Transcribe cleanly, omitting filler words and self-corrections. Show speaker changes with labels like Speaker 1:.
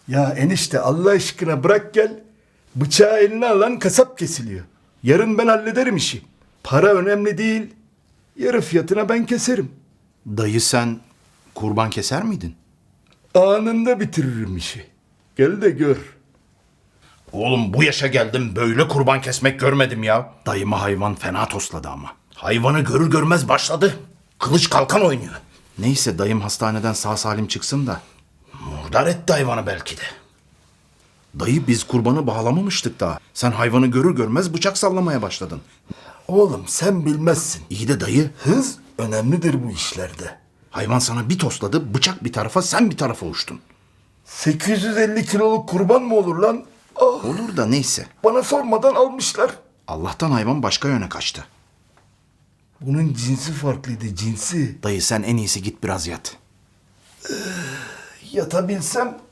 Speaker 1: Ya enişte Allah aşkına bırak gel. Bıçağı eline alan kasap kesiliyor. Yarın ben hallederim işi. Para önemli değil. Yarı fiyatına ben keserim.
Speaker 2: Dayı sen kurban keser miydin?
Speaker 1: Anında bitiririm işi. Gel de gör.
Speaker 2: Oğlum bu yaşa geldim böyle kurban kesmek görmedim ya. Dayımı hayvan fena tosladı ama. Hayvanı görür görmez başladı. Kılıç kalkan oynuyor. Neyse dayım hastaneden sağ salim çıksın da. Murdar etti hayvanı belki de. Dayı biz kurbanı bağlamamıştık daha. Sen hayvanı görür görmez bıçak sallamaya başladın.
Speaker 1: Oğlum sen bilmezsin.
Speaker 2: İyi de dayı
Speaker 1: Hız önemlidir bu işlerde.
Speaker 2: hayvan sana bir tosladı bıçak bir tarafa sen bir tarafa uçtun.
Speaker 1: 850 kiloluk kurban mı olur lan? Ah,
Speaker 2: Olur da neyse.
Speaker 1: bana sormadan almışlar.
Speaker 2: Allah'tan hayvan başka yöne kaçtı.
Speaker 1: Bunun cinsi farklıydı, cinsi.
Speaker 2: Dayı sen en iyisi git biraz yat.
Speaker 1: Yatabilsem